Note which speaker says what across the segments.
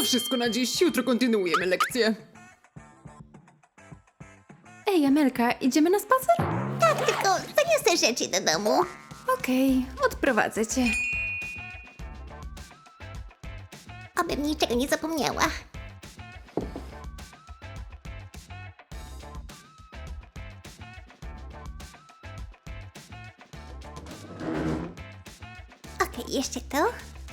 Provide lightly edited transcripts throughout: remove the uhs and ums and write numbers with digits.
Speaker 1: To wszystko na dziś, jutro kontynuujemy lekcję.
Speaker 2: Ej, Amelka, idziemy na spacer?
Speaker 3: Tak, tylko zaniosę rzeczy do domu.
Speaker 2: Okej, odprowadzę cię.
Speaker 3: Abym niczego nie zapomniała. Okej, jeszcze to.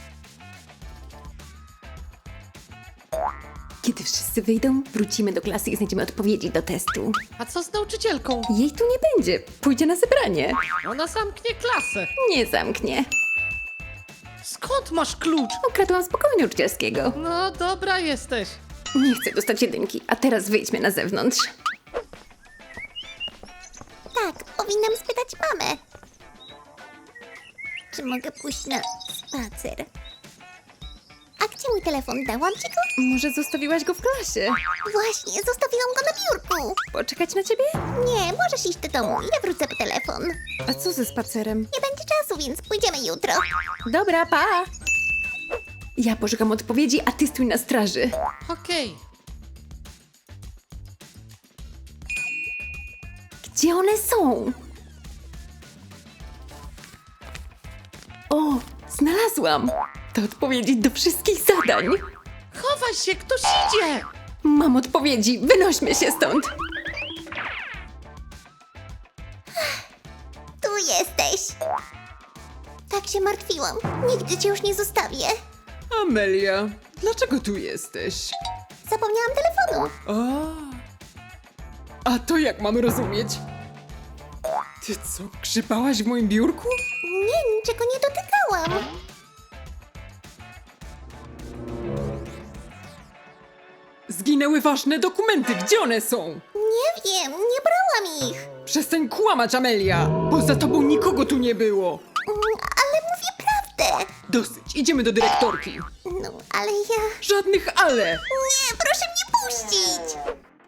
Speaker 2: Kiedy wszyscy wyjdą, wrócimy do klasy i znajdziemy odpowiedzi do testu.
Speaker 4: A co z nauczycielką?
Speaker 2: Jej tu nie będzie, pójdzie na zebranie.
Speaker 4: Ona zamknie klasę.
Speaker 2: Nie zamknie.
Speaker 4: Skąd masz klucz?
Speaker 2: Ukradłam z pokoju nauczycielskiego.
Speaker 4: No dobra jesteś.
Speaker 2: Nie chcę dostać jedynki, a teraz wyjdźmy na zewnątrz.
Speaker 3: Tak, powinnam spytać mamę. Czy mogę pójść na spacer? A gdzie mój telefon? Dałam ci go?
Speaker 2: Może zostawiłaś go w klasie?
Speaker 3: Właśnie, zostawiłam go na biurku.
Speaker 2: Poczekać na ciebie?
Speaker 3: Nie, możesz iść do domu. Ja wrócę po telefon.
Speaker 2: A co ze spacerem?
Speaker 3: Nie będzie czasu, więc pójdziemy jutro.
Speaker 2: Dobra, pa! Ja poszukam odpowiedzi, a ty stój na straży.
Speaker 4: Okej.
Speaker 2: Gdzie one są? O, znalazłam! To odpowiedzi do wszystkich zadań.
Speaker 4: Chowaj się, ktoś idzie!
Speaker 2: Mam odpowiedzi, wynośmy się stąd.
Speaker 3: Tu jesteś. Tak się martwiłam. Nigdy cię już nie zostawię.
Speaker 1: Amelia, dlaczego tu jesteś?
Speaker 3: Zapomniałam telefonu.
Speaker 1: A to jak mamy rozumieć? Ty co, grzybałaś w moim biurku?
Speaker 3: Nie, niczego nie dotykałam.
Speaker 1: Zginęły ważne dokumenty, gdzie one są?
Speaker 3: Nie wiem, nie brałam ich.
Speaker 1: Przestań kłamać, Amelia! Poza tobą nikogo tu nie było!
Speaker 3: Ale mówię prawdę.
Speaker 1: Dosyć, idziemy do dyrektorki.
Speaker 3: No, ale ja...
Speaker 1: Żadnych ale!
Speaker 3: Nie, proszę mnie puścić.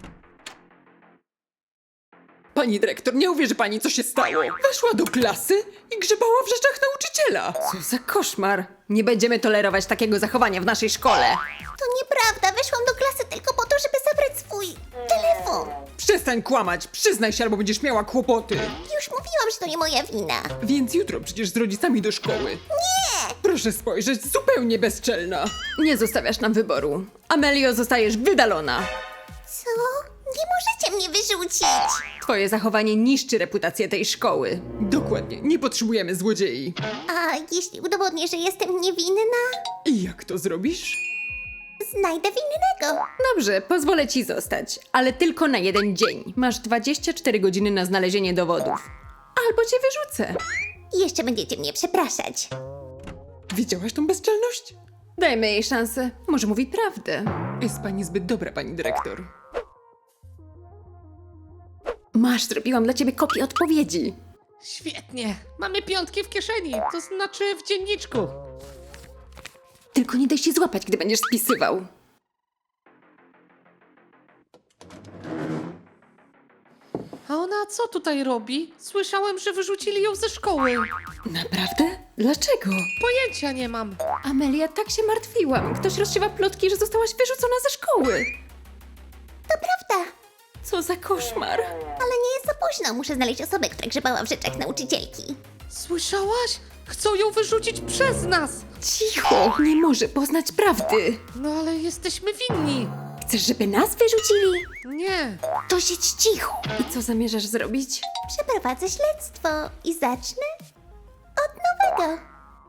Speaker 1: Pani dyrektor, nie uwierzy pani, co się stało. Weszła do klasy i grzebała w rzeczach nauczyciela.
Speaker 2: Co za koszmar. Nie będziemy tolerować takiego zachowania w naszej szkole.
Speaker 3: To nieprawda, weszłam do klasy tylko po to, żeby zabrać swój telefon.
Speaker 1: Przestań kłamać, przyznaj się, albo będziesz miała kłopoty.
Speaker 3: Już mówiłam, że to nie moja wina.
Speaker 1: Więc jutro przecież z rodzicami do szkoły.
Speaker 3: Nie!
Speaker 1: Proszę spojrzeć, zupełnie bezczelna.
Speaker 2: Nie zostawiasz nam wyboru. Amelio, zostajesz wydalona.
Speaker 3: Co? Nie możecie mnie wyrzucić.
Speaker 2: Twoje zachowanie niszczy reputację tej szkoły.
Speaker 1: Dokładnie, nie potrzebujemy złodziei.
Speaker 3: A jeśli udowodnię, że jestem niewinna,
Speaker 1: I jak to zrobisz?
Speaker 3: znajdę winnego.
Speaker 2: Dobrze, pozwolę ci zostać, ale tylko na jeden dzień. Masz 24 godziny na znalezienie dowodów. Albo cię wyrzucę.
Speaker 3: I jeszcze będziecie mnie przepraszać.
Speaker 1: Widziałaś tą bezczelność?
Speaker 2: Dajmy jej szansę. Może mówi prawdę.
Speaker 1: Jest pani zbyt dobra, pani dyrektor.
Speaker 2: Masz, zrobiłam dla ciebie kopię odpowiedzi.
Speaker 4: Świetnie. Mamy piątki w kieszeni, to znaczy w dzienniczku.
Speaker 2: Tylko nie daj się złapać, gdy będziesz spisywał.
Speaker 4: A ona co tutaj robi? Słyszałem, że wyrzucili ją ze szkoły.
Speaker 2: Naprawdę? Dlaczego?
Speaker 4: Pojęcia nie mam.
Speaker 2: Amelia, tak się martwiłam. Ktoś rozsiewa plotki, że zostałaś wyrzucona ze szkoły.
Speaker 3: To prawda,
Speaker 2: Co za koszmar.
Speaker 3: ale nie jest za późno. Muszę znaleźć osobę, która grzebała w rzeczach nauczycielki.
Speaker 4: Słyszałaś? Chcą ją wyrzucić przez nas.
Speaker 2: Cicho, nie może poznać prawdy.
Speaker 4: No ale jesteśmy winni.
Speaker 2: Chcesz, żeby nas wyrzucili?
Speaker 4: Nie.
Speaker 3: To siedź cicho.
Speaker 2: I co zamierzasz zrobić?
Speaker 3: Przeprowadzę śledztwo i zacznę od nowego.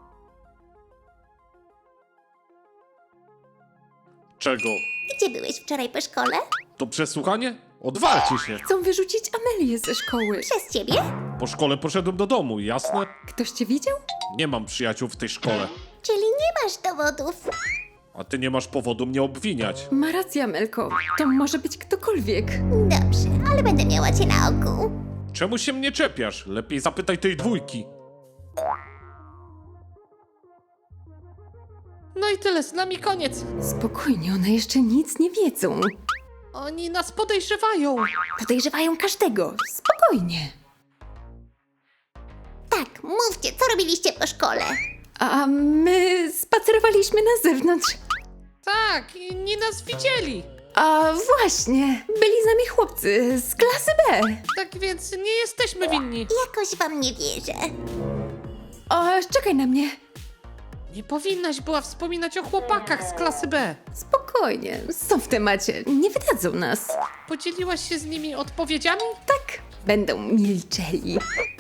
Speaker 5: Czego?
Speaker 3: Gdzie byłeś wczoraj po szkole?
Speaker 5: To przesłuchanie? Odwalcie się!
Speaker 2: Chcą wyrzucić Amelię ze szkoły.
Speaker 3: Przez ciebie?
Speaker 5: Po szkole poszedłem do domu, jasne?
Speaker 2: Ktoś cię widział?
Speaker 5: Nie mam przyjaciół w tej szkole.
Speaker 3: Czyli nie masz dowodów.
Speaker 5: A ty nie masz powodu mnie obwiniać.
Speaker 2: Ma rację, Amelko. To może być ktokolwiek.
Speaker 3: Dobrze, ale będę miała cię na oku.
Speaker 5: Czemu się mnie czepiasz? Lepiej zapytaj tej dwójki.
Speaker 4: No i tyle, z nami koniec.
Speaker 2: Spokojnie, one jeszcze nic nie wiedzą.
Speaker 4: Oni nas podejrzewają.
Speaker 2: Podejrzewają każdego. Spokojnie.
Speaker 3: Tak, mówcie, co robiliście po szkole?
Speaker 2: A my spacerowaliśmy na zewnątrz.
Speaker 4: Tak, inni nas widzieli.
Speaker 2: A właśnie, byli z nami chłopcy z klasy B.
Speaker 4: Tak więc nie jesteśmy winni.
Speaker 3: Jakoś wam nie wierzę.
Speaker 2: O, czekaj na mnie.
Speaker 4: Nie powinnaś była wspominać o chłopakach z klasy B.
Speaker 2: Spokojnie, są w temacie, nie wydadzą nas.
Speaker 4: Podzieliłaś się z nimi odpowiedziami?
Speaker 2: Tak, będą milczeli.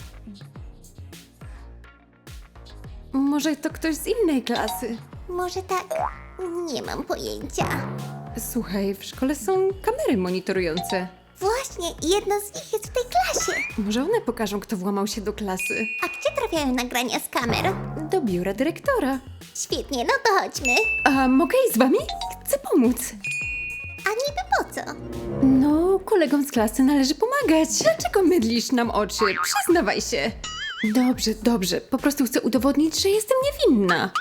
Speaker 2: Może to ktoś z innej klasy.
Speaker 3: Może tak? Nie mam pojęcia.
Speaker 2: Słuchaj, w szkole są kamery monitorujące.
Speaker 3: Właśnie, jedna z nich jest w tej klasie.
Speaker 2: Może one pokażą, kto włamał się do klasy.
Speaker 3: A gdzie trafiają nagrania z kamer?
Speaker 2: Do biura dyrektora.
Speaker 3: Świetnie, no to chodźmy.
Speaker 2: A mogę iść z wami? Chcę pomóc.
Speaker 3: A niby po co?
Speaker 2: No, kolegom z klasy należy pomagać. Dlaczego mydlisz nam oczy? Przyznawaj się. Dobrze, dobrze. Po prostu chcę udowodnić, że jestem niewinna.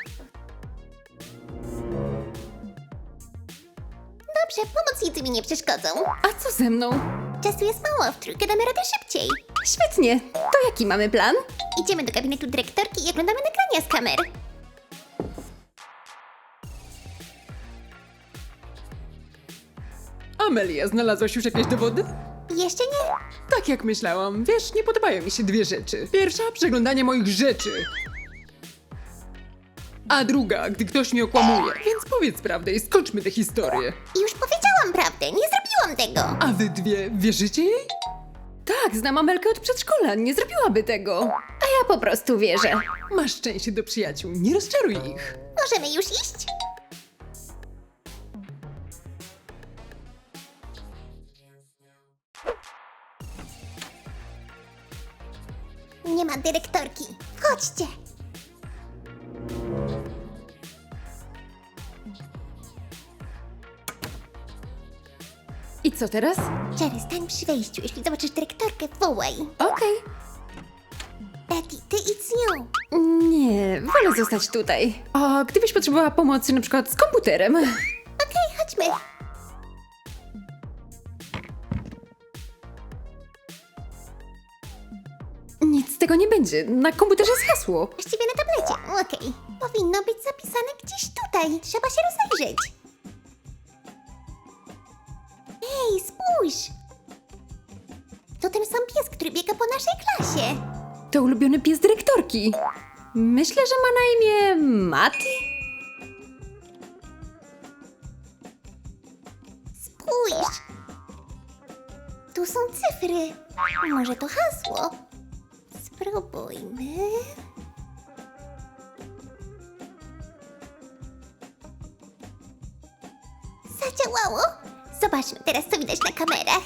Speaker 3: Dobrze, pomocnicy mi nie przeszkodzą.
Speaker 2: A co ze mną?
Speaker 3: Czasu jest mało, w trójkę damy radę szybciej.
Speaker 2: Świetnie. To jaki mamy plan?
Speaker 3: Idziemy do gabinetu dyrektorki i oglądamy nagrania z kamer.
Speaker 1: Amelia, znalazłaś już jakieś dowody?
Speaker 3: Jeszcze nie?
Speaker 1: Tak jak myślałam. Wiesz, nie podobają mi się dwie rzeczy. Pierwsza, przeglądanie moich rzeczy. A druga, gdy ktoś mnie okłamuje. Więc powiedz prawdę i skończmy tę historię.
Speaker 3: Już powiedziałam prawdę, nie zrobiłam tego.
Speaker 1: A wy dwie wierzycie jej?
Speaker 2: Tak, znam Amelkę od przedszkola. Nie zrobiłaby tego. A ja po prostu wierzę.
Speaker 1: Masz szczęście do przyjaciół, nie rozczaruj ich.
Speaker 3: Możemy już iść? Nie ma dyrektorki. Chodźcie.
Speaker 2: I co teraz?
Speaker 3: Jerry, stań przy wejściu. Jeśli zobaczysz dyrektorkę, wołaj.
Speaker 2: Okej.
Speaker 3: Betty, ty idź z nią.
Speaker 2: Nie, wolę zostać tutaj. A gdybyś potrzebowała pomocy na przykład z komputerem?
Speaker 3: Okej, chodźmy.
Speaker 2: Nic z tego nie będzie. Na komputerze jest hasło.
Speaker 3: Właściwie na tablecie. Okej. Powinno być zapisane gdzieś tutaj. Trzeba się rozejrzeć. Ej, spójrz! To ten sam pies, który biega po naszej klasie.
Speaker 2: To ulubiony pies dyrektorki. Myślę, że ma na imię Mati.
Speaker 3: Spójrz! Tu są cyfry. Może to hasło? Spróbujmy. Zadziałało! Zobaczmy teraz, co widać na kamerach.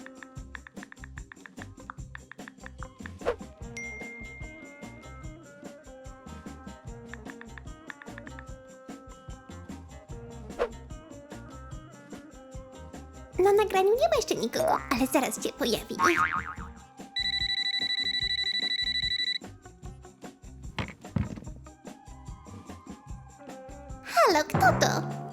Speaker 3: Na nagraniu nie ma jeszcze nikogo, ale zaraz się pojawi. Halo, kto to?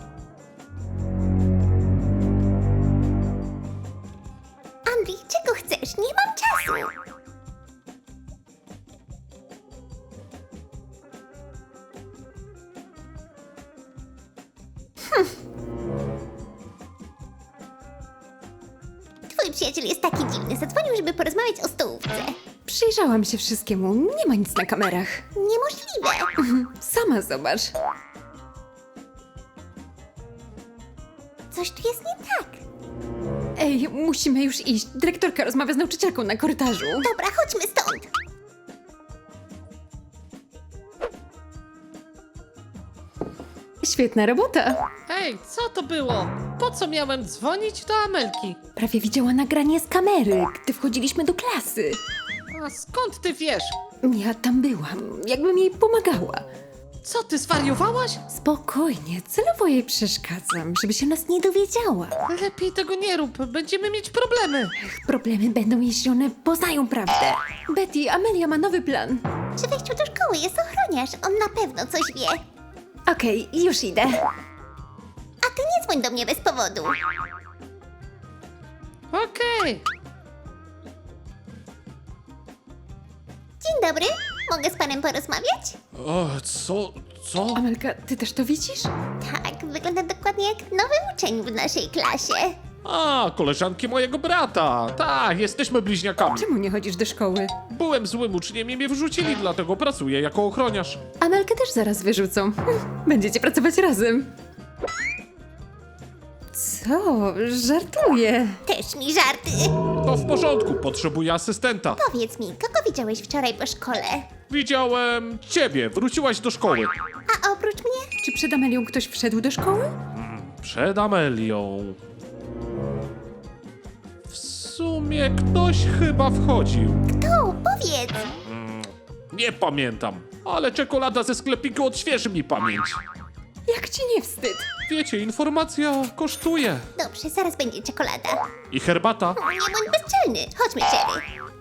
Speaker 3: Andrzej, czego chcesz? Nie mam czasu. Twój przyjaciel jest taki dziwny. Zadzwonił, żeby porozmawiać o stołówce.
Speaker 2: Przyjrzałam się wszystkiemu. Nie ma nic na kamerach.
Speaker 3: Niemożliwe.
Speaker 2: Sama zobacz.
Speaker 3: Coś tu jest nie tak.
Speaker 2: Ej, musimy już iść. Dyrektorka rozmawia z nauczycielką na korytarzu.
Speaker 3: Dobra, chodźmy stąd.
Speaker 2: Świetna robota.
Speaker 4: Hej, co to było? Po co miałem dzwonić do Amelki?
Speaker 2: Prawie widziała nagranie z kamery, gdy wchodziliśmy do klasy.
Speaker 4: A skąd ty wiesz?
Speaker 2: Ja tam byłam, jakbym jej pomagała.
Speaker 4: Co, ty zwariowałaś?
Speaker 2: Spokojnie, celowo jej przeszkadzam, żeby się nas nie dowiedziała.
Speaker 4: Lepiej tego nie rób, będziemy mieć problemy.
Speaker 2: Problemy będą, jeśli one poznają prawdę. Betty, Amelia ma nowy plan.
Speaker 3: Przy wejściu do szkoły jest ochroniarz. On na pewno coś wie.
Speaker 2: Okej, już idę.
Speaker 3: A ty nie dzwoń do mnie bez powodu.
Speaker 4: Okej.
Speaker 3: Dzień dobry. Mogę z panem porozmawiać?
Speaker 5: O, co?
Speaker 2: Amelka, ty też to widzisz?
Speaker 3: Tak, wygląda dokładnie dokładnie jak nowy uczeń w naszej klasie.
Speaker 5: A, koleżanki mojego brata. Tak, jesteśmy bliźniakami.
Speaker 2: Czemu nie chodzisz do szkoły?
Speaker 5: Byłem złym uczniem i mnie wyrzucili, dlatego pracuję jako ochroniarz.
Speaker 2: Amelkę też zaraz wyrzucą. Będziecie pracować razem. Co? Żartuję.
Speaker 3: Też mi żarty.
Speaker 5: To w porządku, potrzebuję asystenta.
Speaker 3: Powiedz mi, kogo widziałeś wczoraj po szkole?
Speaker 5: Widziałem ciebie, wróciłaś do szkoły.
Speaker 3: A oprócz mnie?
Speaker 2: Czy przed Amelią ktoś wszedł do szkoły?
Speaker 5: Przed Amelią. W sumie ktoś chyba wchodził.
Speaker 3: Kto? Powiedz.
Speaker 5: Nie pamiętam, ale czekolada ze sklepiku odświeży mi pamięć.
Speaker 2: Jak ci nie wstyd?
Speaker 5: Wiecie, informacja kosztuje.
Speaker 3: Dobrze, zaraz będzie czekolada.
Speaker 5: I herbata.
Speaker 3: Nie bądź bezczelny. Chodźmy, Jerry.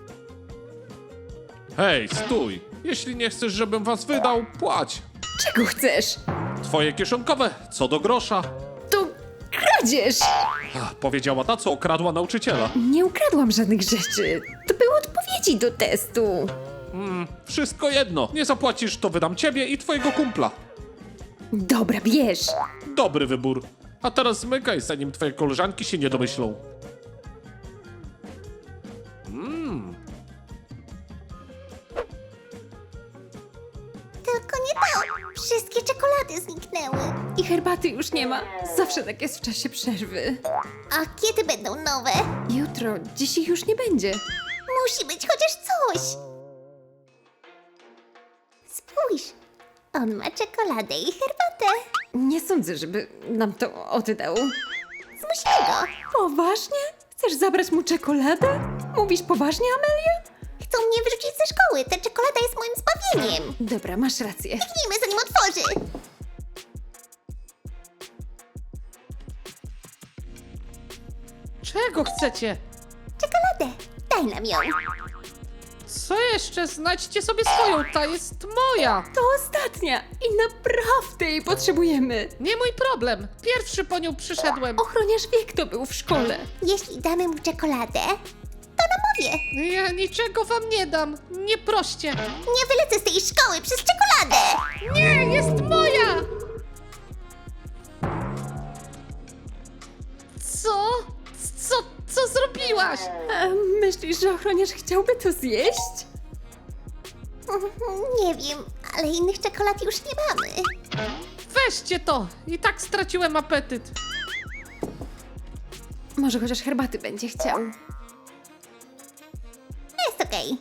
Speaker 5: Hej, stój. Jeśli nie chcesz, żebym was wydał, płać.
Speaker 2: Czego chcesz?
Speaker 5: Twoje kieszonkowe, co do grosza.
Speaker 2: To kradzież!
Speaker 5: Powiedziała ta, co okradła nauczyciela.
Speaker 2: Nie ukradłam żadnych rzeczy. To były odpowiedzi do testu.
Speaker 5: Wszystko jedno. Nie zapłacisz, to wydam ciebie i twojego kumpla.
Speaker 2: Dobra, bierz.
Speaker 5: Dobry wybór. A teraz zmykaj, zanim twoje koleżanki się nie domyślą.
Speaker 3: Tylko nie to. Wszystkie czekolady zniknęły.
Speaker 2: I herbaty już nie ma. Zawsze tak jest w czasie przerwy.
Speaker 3: A kiedy będą nowe?
Speaker 2: Jutro, dziś ich już nie będzie.
Speaker 3: Musi być chociaż coś. Spójrz. On ma czekoladę i herbatę.
Speaker 2: Nie sądzę, żeby nam to oddał.
Speaker 3: Zmusimy go.
Speaker 2: Poważnie? Chcesz zabrać mu czekoladę? Mówisz poważnie, Amelia?
Speaker 3: Chcą mnie wyrzucić ze szkoły. Ta czekolada jest moim zbawieniem.
Speaker 2: Dobra, masz rację.
Speaker 3: Biegnijmy, zanim otworzy.
Speaker 4: Czego chcecie?
Speaker 3: Czekoladę. Daj nam ją.
Speaker 4: Co jeszcze? Znajdźcie sobie swoją, ta jest moja.
Speaker 2: To ostatnia i naprawdę jej potrzebujemy.
Speaker 4: Nie mój problem. Pierwszy po nią przyszedłem.
Speaker 2: Ochroniarz wie, kto był w szkole.
Speaker 3: Jeśli damy mu czekoladę, to namówię.
Speaker 4: Ja niczego wam nie dam. Nie proście.
Speaker 3: Nie wylecę z tej szkoły przez czekoladę.
Speaker 4: Nie, jest moja! Co? Co zrobiłaś?
Speaker 2: A myślisz, że ochroniarz chciałby to zjeść?
Speaker 3: Nie wiem, ale innych czekolad już nie mamy.
Speaker 4: Weźcie to. I tak straciłem apetyt.
Speaker 2: Może chociaż herbaty będzie chciał.
Speaker 3: Jest okej.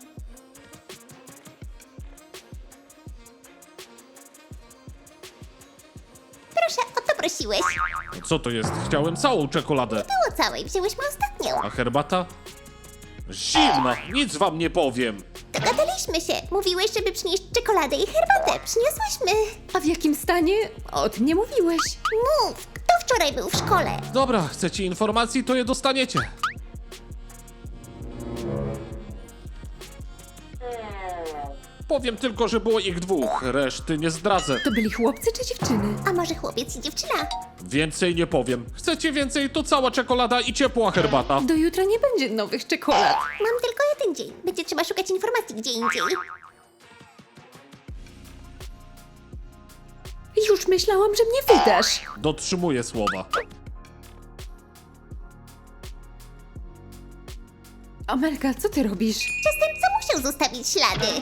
Speaker 3: Proszę, o to prosiłeś.
Speaker 5: Co to jest? Chciałem całą czekoladę.
Speaker 3: Było całej, wzięłyśmy ostatnią.
Speaker 5: A herbata? Zimna, nic wam nie powiem.
Speaker 3: Dogadaliśmy się. Mówiłeś, żeby przynieść czekoladę i herbatę. Przyniosłyśmy.
Speaker 2: A w jakim stanie? O tym nie mówiłeś.
Speaker 3: Mów, kto wczoraj był w szkole?
Speaker 5: Dobra, chcecie informacji, to je dostaniecie. Powiem tylko, że było ich dwóch, reszty nie zdradzę.
Speaker 2: To byli chłopcy czy dziewczyny?
Speaker 3: A może chłopiec i dziewczyna?
Speaker 5: Więcej nie powiem. Chcecie więcej, to cała czekolada i ciepła herbata.
Speaker 2: Do jutra nie będzie nowych czekolad.
Speaker 3: Mam tylko jeden dzień. Będzie trzeba szukać informacji gdzie indziej.
Speaker 2: Już myślałam, że mnie wydasz.
Speaker 5: Dotrzymuję słowa.
Speaker 2: Amelka, co ty robisz?
Speaker 3: Przestępca musiał zostawić ślady.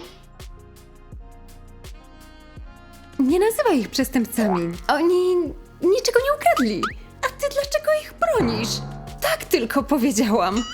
Speaker 2: Nie nazywaj ich przestępcami. Oni niczego nie ukradli. A ty dlaczego ich bronisz? Tak tylko powiedziałam.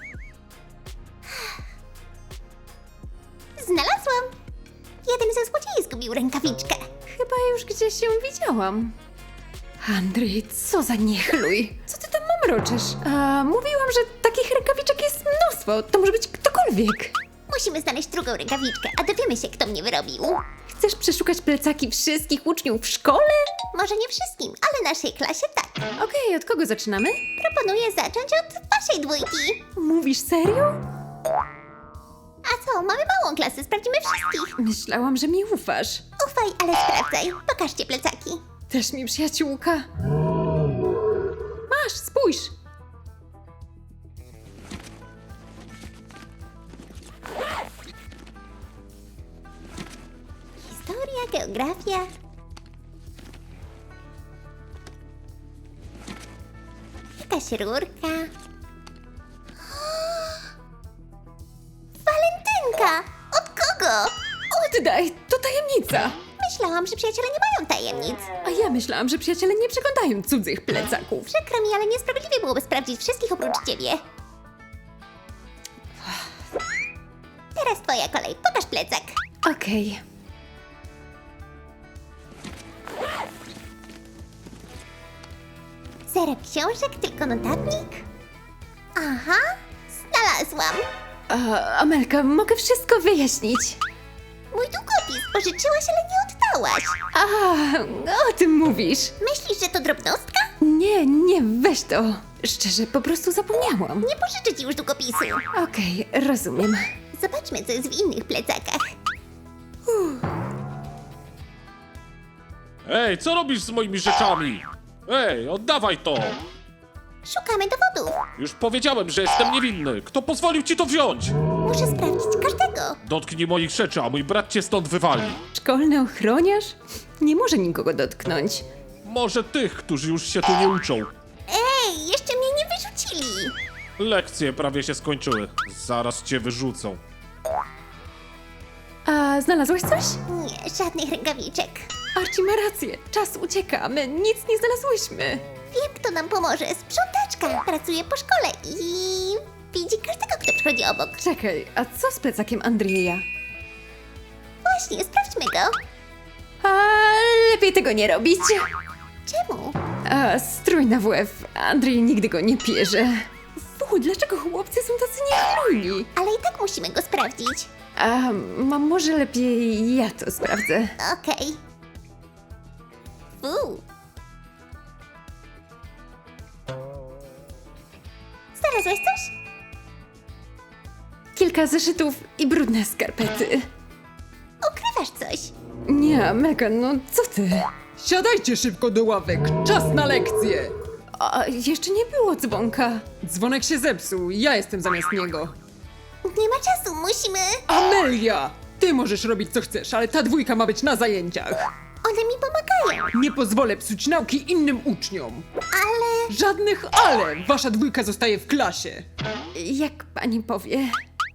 Speaker 3: Znalazłam. Jeden ze złodziei zgubił rękawiczkę.
Speaker 2: Chyba już gdzieś ją widziałam. Andrzej, co za niechluj. Co ty tam mamroczysz? A mówiłam, że takich rękawiczek jest mnóstwo. To może być ktokolwiek.
Speaker 3: Musimy znaleźć drugą rękawiczkę, a dowiemy się, kto mnie wyrobił.
Speaker 2: Chcesz przeszukać plecaki wszystkich uczniów w szkole?
Speaker 3: Może nie wszystkim, ale naszej klasie tak.
Speaker 2: Okej, od kogo zaczynamy?
Speaker 3: Proponuję zacząć od waszej dwójki.
Speaker 2: Mówisz serio?
Speaker 3: A co, mamy małą klasę, sprawdzimy wszystkich.
Speaker 2: Myślałam, że mi ufasz.
Speaker 3: Ufaj, ale sprawdzaj. Pokażcie plecaki.
Speaker 2: Też mi przyjaciółka. Masz, spójrz.
Speaker 3: Historia, geografia. Jakaś rurka. Walentynka! Od kogo?
Speaker 2: Oddaj, to tajemnica.
Speaker 3: Myślałam, że przyjaciele nie mają tajemnic.
Speaker 2: A ja myślałam, że przyjaciele nie przeglądają cudzych plecaków.
Speaker 3: Przykro mi, ale niesprawiedliwie byłoby sprawdzić wszystkich oprócz ciebie. Teraz twoja kolej. Pokaż plecak.
Speaker 2: Okej.
Speaker 3: Zero książek, tylko notatnik? Aha, znalazłam.
Speaker 2: Amelka, mogę wszystko wyjaśnić.
Speaker 3: Mój długopis pożyczyłaś, ale nie oddałaś.
Speaker 2: O tym mówisz.
Speaker 3: Myślisz, że to drobnostka?
Speaker 2: Nie, weź to. Szczerze, po prostu zapomniałam.
Speaker 3: Nie pożyczę ci już długopisu.
Speaker 2: Okej, rozumiem.
Speaker 3: Zobaczmy, co jest w innych plecakach.
Speaker 5: Ej, co robisz z moimi rzeczami? Ej, oddawaj to!
Speaker 3: Szukamy dowodów.
Speaker 5: Już powiedziałem, że jestem niewinny. Kto pozwolił ci to wziąć?
Speaker 3: Muszę sprawdzić każdego.
Speaker 5: Dotknij moich rzeczy, a mój brat cię stąd wywali.
Speaker 2: Szkolny ochroniarz? Nie może nikogo dotknąć.
Speaker 5: Może tych, którzy już się tu nie uczą.
Speaker 3: Ej, jeszcze mnie nie wyrzucili.
Speaker 5: Lekcje prawie się skończyły. Zaraz cię wyrzucą.
Speaker 2: A znalazłaś coś?
Speaker 3: Nie, żadnych rękawiczek.
Speaker 2: Archie ma rację. Czas ucieka. My nic nie znalazłyśmy.
Speaker 3: Wiem, kto nam pomoże. Sprzątaczka. Pracuje po szkole i widzi każdego, kto przychodzi obok.
Speaker 2: Czekaj, a co z plecakiem Andrzeja?
Speaker 3: Właśnie, sprawdźmy go.
Speaker 2: A lepiej tego nie robić.
Speaker 3: Czemu?
Speaker 2: A strój na WF. Andrzej nigdy go nie pierze. Dlaczego chłopcy są tacy niechlujni?
Speaker 3: Ale i tak musimy go sprawdzić.
Speaker 2: A może lepiej ja to sprawdzę.
Speaker 3: Okej. Znalazłaś coś?
Speaker 2: Kilka zeszytów i brudne skarpety.
Speaker 3: Ukrywasz coś.
Speaker 2: Nie, Amelka, no co ty?
Speaker 1: Siadajcie szybko do ławek, czas na lekcję.
Speaker 2: A jeszcze nie było dzwonka.
Speaker 1: Dzwonek się zepsuł, ja jestem zamiast niego.
Speaker 3: Nie ma czasu, musimy...
Speaker 1: Amelia! Ty możesz robić co chcesz, ale ta dwójka ma być na zajęciach.
Speaker 3: One mi pomagają.
Speaker 1: Nie pozwolę psuć nauki innym uczniom.
Speaker 3: Ale...
Speaker 1: Żadnych ale! Wasza dwójka zostaje w klasie.
Speaker 2: Jak pani powie.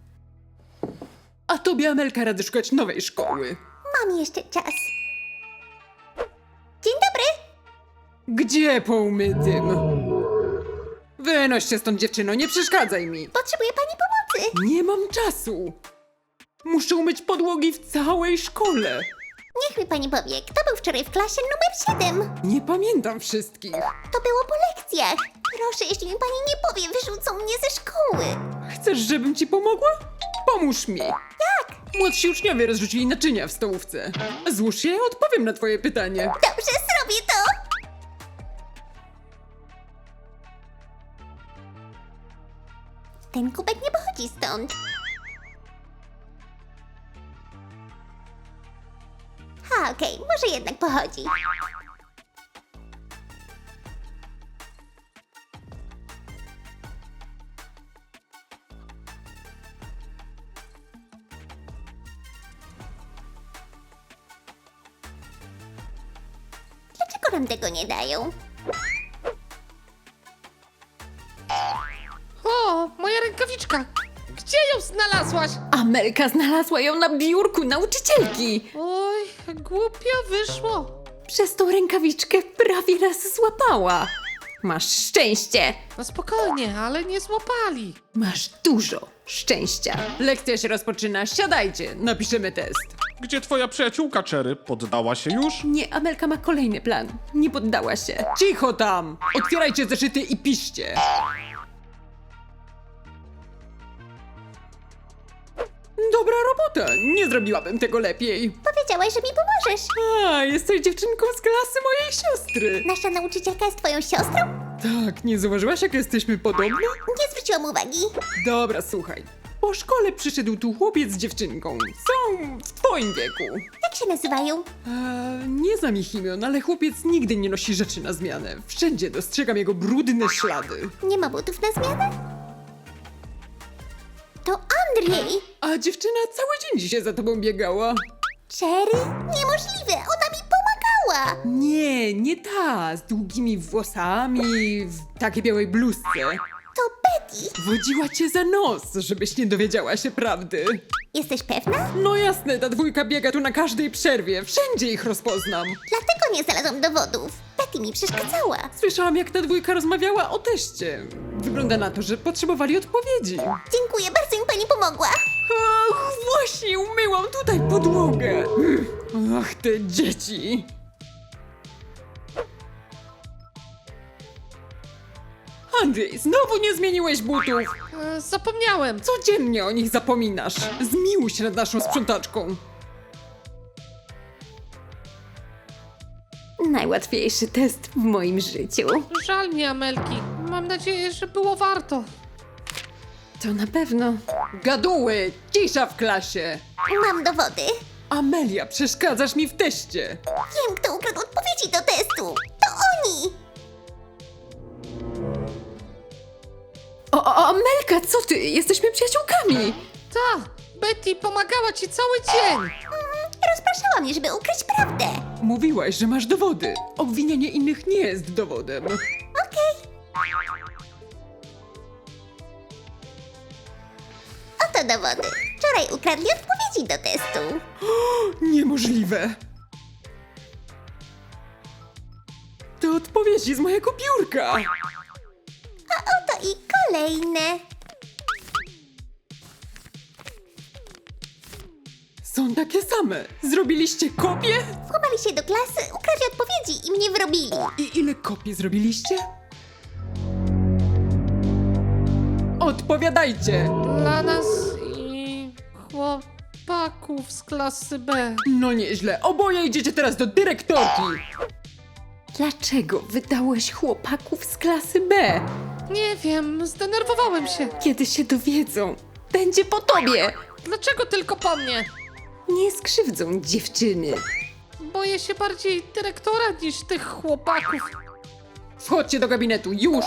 Speaker 1: A tobie, Amelka, radzę szukać nowej szkoły.
Speaker 3: Mam jeszcze czas. Dzień dobry.
Speaker 1: Gdzie po umytym? Wynoś się stąd, dziewczyno, nie przeszkadzaj mi.
Speaker 3: Potrzebuję pani pomocy.
Speaker 1: Nie mam czasu. Muszę umyć podłogi w całej szkole.
Speaker 3: Niech mi pani powie, kto był wczoraj w klasie numer 7?
Speaker 1: Nie pamiętam wszystkich.
Speaker 3: To było po lekcjach. Proszę, jeśli mi pani nie powie, wyrzucą mnie ze szkoły.
Speaker 1: Chcesz, żebym ci pomogła? Pomóż mi. Jak? Młodsi uczniowie rozrzucili naczynia w stołówce. Złóż je, odpowiem na twoje pytanie.
Speaker 3: Dobrze, zrobię to. Ten kubek nie pochodzi stąd. Okej, może jednak pochodzi. Dlaczego nam tego nie dają?
Speaker 4: O, moja rękawiczka! Gdzie ją znalazłaś?
Speaker 2: Amelka znalazła ją na biurku nauczycielki.
Speaker 4: Oj, głupio wyszło.
Speaker 2: Przez tą rękawiczkę prawie nas złapała. Masz szczęście.
Speaker 4: No spokojnie, ale nie złapali.
Speaker 2: Masz dużo szczęścia.
Speaker 1: Lekcja się rozpoczyna, siadajcie, napiszemy test.
Speaker 5: Gdzie twoja przyjaciółka Cherry? Poddała się już?
Speaker 2: Nie, Amelka ma kolejny plan. Nie poddała się.
Speaker 1: Cicho tam! Otwierajcie zeszyty i piszcie. Dobra robota, nie zrobiłabym tego lepiej.
Speaker 3: Powiedziałaś, że mi pomożesz.
Speaker 1: A, jesteś dziewczynką z klasy mojej siostry.
Speaker 3: Nasza nauczycielka jest twoją siostrą?
Speaker 1: Tak, nie zauważyłaś, jak jesteśmy podobne?
Speaker 3: Nie zwróciłam uwagi.
Speaker 1: Dobra, słuchaj. Po szkole przyszedł tu chłopiec z dziewczynką. Są w twoim wieku.
Speaker 3: Jak się nazywają?
Speaker 1: Nie znam ich imion, ale chłopiec nigdy nie nosi rzeczy na zmianę. Wszędzie dostrzegam jego brudne ślady.
Speaker 3: Nie ma butów na zmianę? To Andrzej!
Speaker 1: A dziewczyna cały dzień dzisiaj za tobą biegała.
Speaker 3: Cherry? Niemożliwe, ona mi pomagała! była.
Speaker 1: Nie ta, z długimi włosami, w takiej białej bluzce.
Speaker 3: To Betty.
Speaker 1: Wodziła cię za nos, żebyś nie dowiedziała się prawdy.
Speaker 3: Jesteś pewna?
Speaker 1: No jasne, ta dwójka biega tu na każdej przerwie, wszędzie ich rozpoznam.
Speaker 3: Dlatego nie znalazłam dowodów. Betty mi przeszkadzała.
Speaker 1: Słyszałam, jak ta dwójka rozmawiała o teście. Wygląda na to, że potrzebowali odpowiedzi.
Speaker 3: Dziękuję, bardzo mi pani pomogła.
Speaker 1: Ach, właśnie umyłam tutaj podłogę. Ach, te dzieci. Andrzej, znowu nie zmieniłeś butów.
Speaker 4: Zapomniałem.
Speaker 1: Codziennie o nich zapominasz. Zmiłuj się nad naszą sprzątaczką.
Speaker 2: Najłatwiejszy test w moim życiu.
Speaker 4: Żal mi Amelki. Mam nadzieję, że było warto.
Speaker 2: To na pewno.
Speaker 1: Gaduły, cisza w klasie.
Speaker 3: Mam dowody.
Speaker 1: Amelia, przeszkadzasz mi w teście.
Speaker 3: Wiem, kto ukradł odpowiedzi do testu. To oni.
Speaker 2: O, Amelka, co ty? Jesteśmy przyjaciółkami.
Speaker 4: Ta, Betty pomagała ci cały dzień.
Speaker 3: Rozpraszała mnie, żeby ukryć prawdę.
Speaker 1: Mówiłaś, że masz dowody. Obwinianie innych nie jest dowodem.
Speaker 3: Oto dowody. Wczoraj ukradli odpowiedzi do testu.
Speaker 1: Niemożliwe. To odpowiedzi z mojego biurka.
Speaker 3: Oto i kolejne.
Speaker 1: Są takie same. Zrobiliście kopie?
Speaker 3: Włamali się do klasy, ukradli odpowiedzi i mnie wrobili.
Speaker 1: I ile kopii zrobiliście? Odpowiadajcie!
Speaker 4: Dla nas i chłopaków z klasy B.
Speaker 1: No nieźle, oboje idziecie teraz do dyrektorki.
Speaker 2: Dlaczego wydałeś chłopaków z klasy B?
Speaker 4: Nie wiem, zdenerwowałem się.
Speaker 2: Kiedy się dowiedzą, będzie po tobie.
Speaker 4: Dlaczego tylko po mnie?
Speaker 2: Nie skrzywdzą dziewczyny.
Speaker 4: Boję się bardziej dyrektora niż tych chłopaków.
Speaker 1: Wchodźcie do gabinetu, już!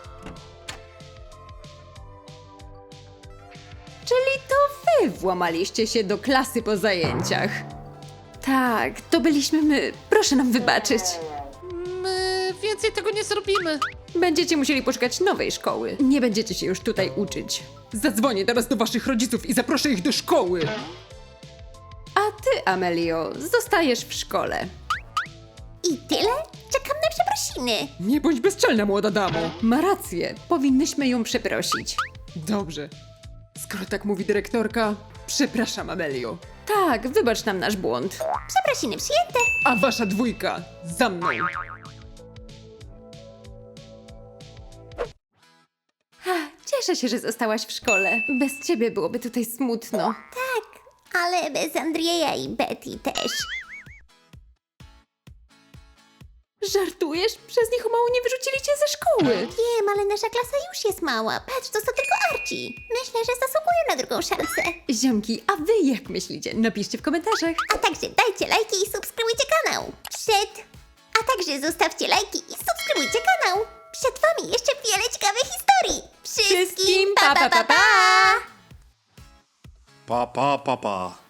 Speaker 2: Czyli to wy włamaliście się do klasy po zajęciach. Tak, to byliśmy my. Proszę nam wybaczyć.
Speaker 4: My więcej tego nie zrobimy.
Speaker 2: Będziecie musieli poszukać nowej szkoły. Nie będziecie się już tutaj uczyć.
Speaker 1: Zadzwonię teraz do waszych rodziców i zaproszę ich do szkoły.
Speaker 2: A ty, Amelio, zostajesz w szkole.
Speaker 3: I tyle? Czekam na przeprosiny.
Speaker 1: Nie bądź bezczelna, młoda damo.
Speaker 2: Ma rację, powinnyśmy ją przeprosić.
Speaker 1: Dobrze. Skoro tak mówi dyrektorka, przepraszam, Amelio.
Speaker 2: Tak, wybacz nam nasz błąd.
Speaker 3: Przeprosiny przyjęte.
Speaker 1: A wasza dwójka, za mną.
Speaker 2: Cieszę się, że zostałaś w szkole. Bez ciebie byłoby tutaj smutno.
Speaker 3: Tak, ale bez Andrzeja i Betty też.
Speaker 2: Żartujesz? Przez nich o mało nie wyrzucili cię ze szkoły.
Speaker 3: Wiem, ale nasza klasa już jest mała. Patrz, to są tylko Archie. Myślę, że zasługują na drugą szansę.
Speaker 2: Ziomki, a wy jak myślicie? Napiszcie w komentarzach.
Speaker 3: A także dajcie lajki i subskrybujcie kanał. A także zostawcie lajki i subskrybujcie kanał. Przed wami jeszcze wiele ciekawych historii. Wszystkim pa pa pa pa!
Speaker 5: Pa, pa, pa, pa.